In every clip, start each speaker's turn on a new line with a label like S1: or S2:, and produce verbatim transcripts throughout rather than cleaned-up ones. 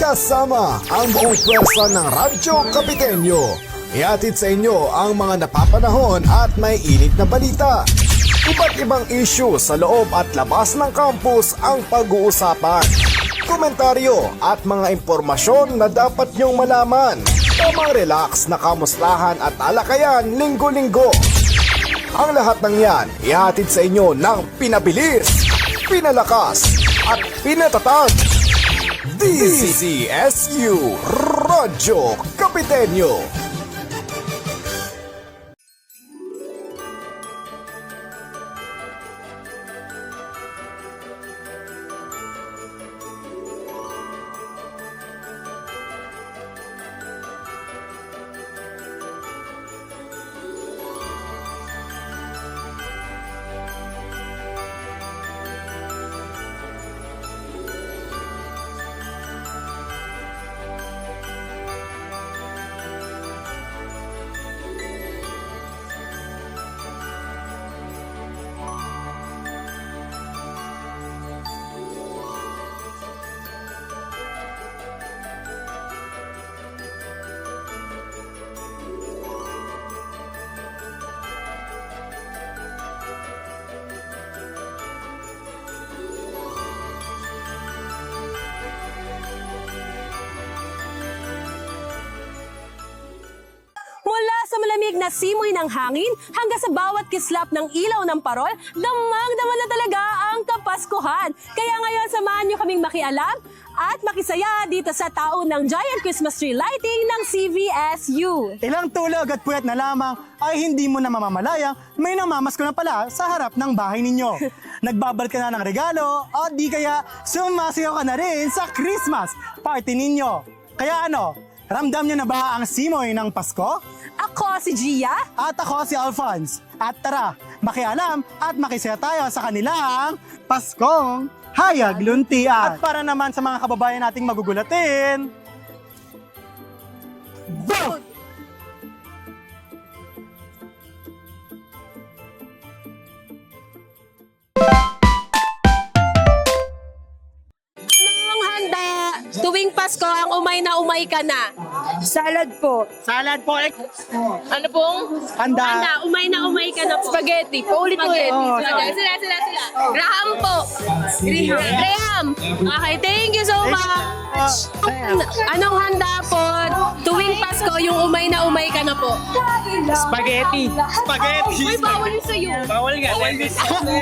S1: Kasama ang buong pwersa ng Radyo Kapitenyo. Ihatid sa inyo ang mga napapanahon at may init na balita. Iba't ibang issue sa loob at labas ng campus ang pag-uusapan. Komentaryo at mga impormasyon na dapat niyong malaman. Tamang relax na kamustahan at talakayan linggo-linggo. Ang lahat ng yan, ihatid sa inyo ng pinabilis, pinalakas at pinatatag. D C S U Radyo Kapitenyo.
S2: Mula sa malamig na simoy ng hangin hanggang sa bawat kislap ng ilaw ng parol, damang-dama na talaga ang Kapaskuhan. Kaya ngayon, samahan niyo kaming makialam at makisaya dito sa taon ng Giant Christmas Tree Lighting ng C V S U.
S3: Ilang tulog at puyat na lamang ay hindi mo na mamamalayang may namamasko na pala sa harap ng bahay ninyo. Nagbabal ka na ng regalo o di kaya sumasayaw ka na rin sa Christmas party ninyo. Kaya ano, ramdam niyo na ba ang simoy ng Pasko?
S2: Ako si Gia.
S3: At ako si Alphonse. At tara, makialam at makisaya tayo sa kanilang Paskong Hayag Luntian. At para naman sa mga kababayan nating magugulatin, vote!
S2: Anong handa? Tuwing Pasko, ang umay na umay ka na.
S4: Salad po.
S3: Salad po, eh.
S2: Ano pong?
S3: Handa.
S2: Handa, umay na umay ka na po.
S4: Spaghetti. Paulit-ulit.
S3: Oh,
S2: Sila, sila, sila, sila. Graham po. Graham. Graham. Okay, thank you so much. Anong handa po? Tuwing Pasko, yung umay na umay ka na po.
S5: Spaghetti.
S3: Spaghetti.
S2: Uy, bawal yun sa'yo.
S5: Bawal nga. Bawal nga.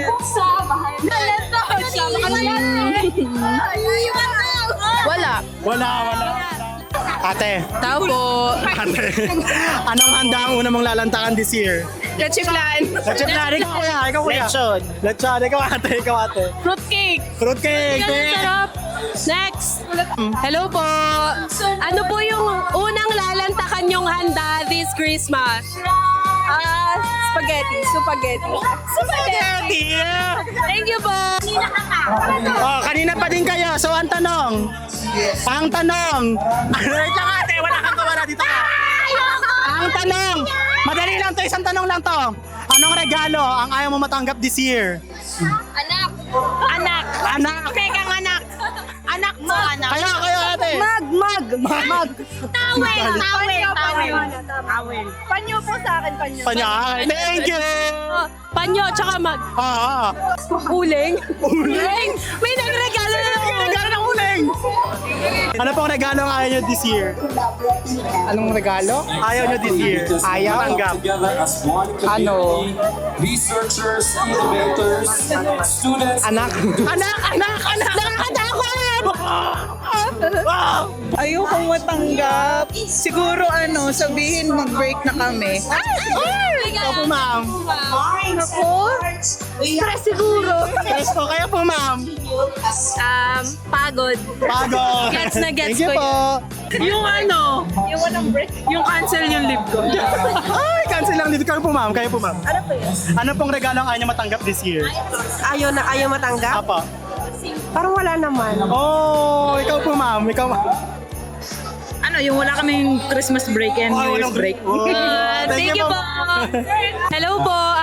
S2: Wala.
S3: Wala, wala. Ate,
S2: Tao po.
S3: ate, anong handa ang una mong lalantakan this year?
S2: Lechiplan.
S3: Lechon na, ikaw kuya, ikaw kuya.
S5: Lechon.
S3: Lechon, ikaw ate, ikaw ate.
S2: Fruitcake.
S3: Fruitcake.
S2: Ang sarap. Next. Hello po. Ano po yung unang lalantakan yung handa this Christmas?
S4: Ah, spaghetti. Spaghetti.
S3: Spaghetti.
S2: Thank you po.
S3: Oh, kanina pa din kayo, so ang tanong. Ang tanong. Ano wait lang ate, wala kang kawala dito ka. Ang tanong. Madali lang to, isang tanong lang to. Anong regalo ang ayaw mo matanggap this year?
S4: Anak.
S3: Anak. Anak.
S4: Pekang anak. Anak mo, anak.
S3: Kayo, kayo ate.
S4: Mag, mag.
S3: Mag.
S4: Tawel. Tawel. Tawel. Tawel. Panyo po sa akin, panyo.
S3: Panya. Thank you.
S2: Oh, panyo, tsaka mag.
S3: Ah.
S2: Uling. Uling. May nagregalo na ng
S3: Regalo ng uling. Ano pong regalo ang ayaw nyo this year?
S5: Anong regalo?
S3: Ayaw nyo this year? Ayaw? Tanggap.
S6: Together as one community, researchers, innovators, students.
S3: Anak. Anak, anak, anak. Nakakatakot. Wow.
S7: Ayokong matanggap. Siguro ano, sabihin mag-break na kami.
S3: Ikaw po ma'am.
S4: Ako? Stress siguro.
S3: Presto, kayo po ma'am.
S2: Um, pagod.
S3: Pagod.
S2: Gets na gets
S3: Thank you
S2: ko
S3: po.
S7: Yung ano, yung walang break, yung cancel yung live ko.
S3: Ay, cancel lang dito. Kayo po ma'am. Kayo po ma'am. Ano po yun? Ano pong regalo ang ayaw nyo matanggap this year?
S4: Ayaw na, ayaw matanggap?
S3: Apa.
S4: Parang wala naman.
S3: Oh, ikaw po ma'am. Ikaw ma'am.
S7: Ano, yung wala kaming Christmas break and New
S3: Oh,
S7: Year's
S3: walang
S7: break.
S3: Oh,
S2: Uh, thank you po. Hello po. Um,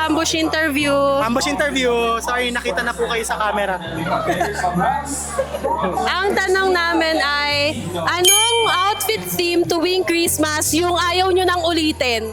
S2: ambush interview.
S3: Ambush interview. Sorry, nakita na po kayo sa camera.
S2: Ang tanong namin ay, anong outfit theme tuwing Christmas yung ayaw nyo nang ulitin?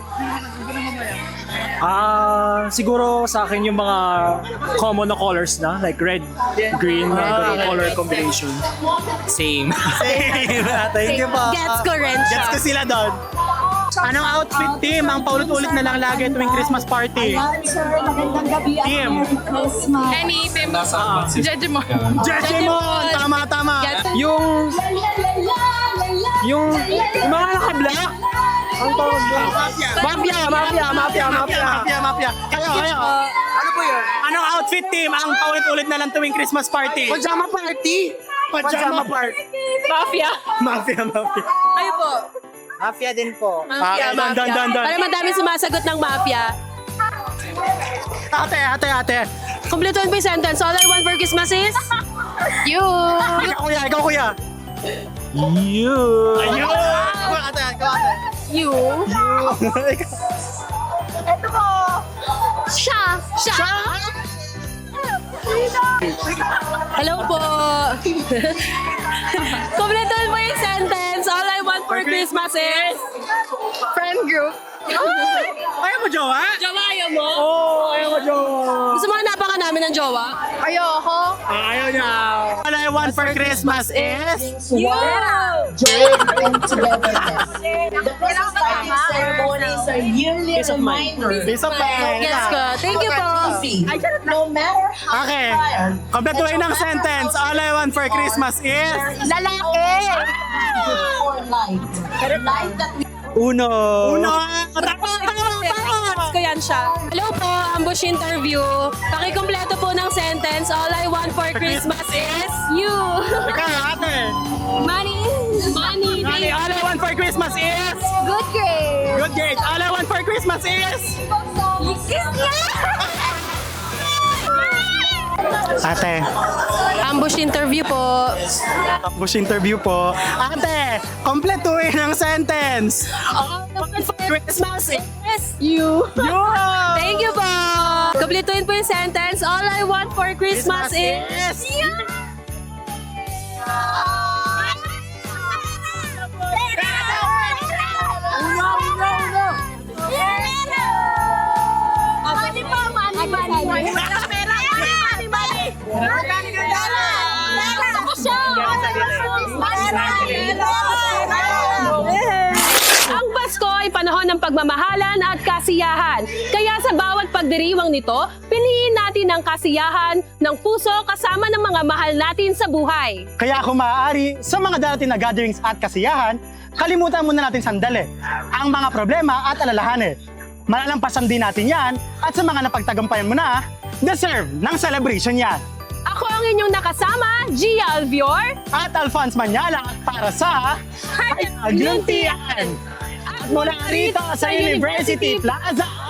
S5: Ah, siguro sa akin yung mga common na colors na, like red, green, mga ganung color combination. Same.
S3: Same. Thank you po.
S2: Gets ko rin siya.
S3: Gets ko sila doon. Anong outfit team ang paulit-ulit na lang lagi tuwing Christmas party? Team.
S4: Any team.
S6: Nasa
S4: Judge mo.
S3: Jejemon! Tama, tama.
S2: Gets-
S5: Yung, yung, yung mga naka-black. Ang tawag doon? Mafia, mafia, mafia, mafia.
S3: Mafia, mafia. Kayo, kayo.
S5: Ano po yun?
S3: Anong outfit team ang paulit-ulit na lang tuwing Christmas party?
S5: Pajama party.
S3: Pajama party.
S2: Mafia.
S3: Mafia, mafia.
S2: Kayo po.
S7: Mafia din po.
S2: Mafia,
S3: Ah, dan, dan, dan, dan.
S2: Para madami sumasagot ng mafia.
S3: Ate, ate, ate.
S2: Kumpletuhin po yung sentence. All I want for Christmas is... You.
S3: Ikaw kuya, ikaw kuya.
S5: You.
S3: Ayun! Ikaw ate, ikaw ate.
S2: You. Siya. Siya. Hello po. Kumpletuhin po yung sentence. All I want for Christmas is...
S4: Friend group.
S3: Ayaw mo, jowa?
S2: Jowa, ayaw mo?
S3: Oo, ayaw mo, jowa.
S2: Gusto mo hanapan ka namin ng jowa?
S4: Ayoko.
S3: Ah, ayaw niya. All I want for Christmas is...
S2: You.
S8: Ceremonies are yearly
S5: Peace of mind.
S8: reminders.
S3: Peace of mind.
S2: Yes ko. Thank you po.
S8: No matter how
S3: Okay.
S8: tired,
S3: Kompletuhin ng sentence. All I want for Christmas is...
S2: Lalaki.
S8: or light. Light that we
S5: Uno.
S3: Uno! Tama, tama, tama!
S2: Gets ko yan siya. Hello po, ambush interview. Pakikumpleto po ng sentence. All I want for Christmas is you.
S3: Ikaw, ate.
S2: Money. Money.
S3: Honey, all I want for Christmas is...
S2: Good grade.
S3: Good grades. All I want for Christmas is...
S2: Kiss niya.
S3: Ate,
S2: Ambush interview po.
S3: ambush interview po. Ate, kompletuhin ng sentence.
S2: All I want for Christmas is you.
S3: Yun!
S2: Thank you po. Kumpletuhin po yung sentence. All I want for Christmas,
S3: Christmas
S2: is
S3: is-
S2: you. Money po, money, money. Money, money. Ako siya. Ang Pasko ay panahon ng pagmamahalan at kasiyahan. Kaya sa bawat pagdiriwang nito, piliin natin ang kasiyahan ng puso kasama ng mga mahal natin sa buhay.
S3: Kaya kung maaari, sa mga darating na gatherings at kasiyahan, kalimutan muna natin sandali ang mga problema at alalahanin. Malalampasan din natin yan at sa mga napagtagumpayan mo na, deserve ng celebration yan.
S2: Ako ang inyong nakasama, Gia Alvior.
S3: At Alphonse Manyala para sa Agluntian! At mula rito sa University Plaza!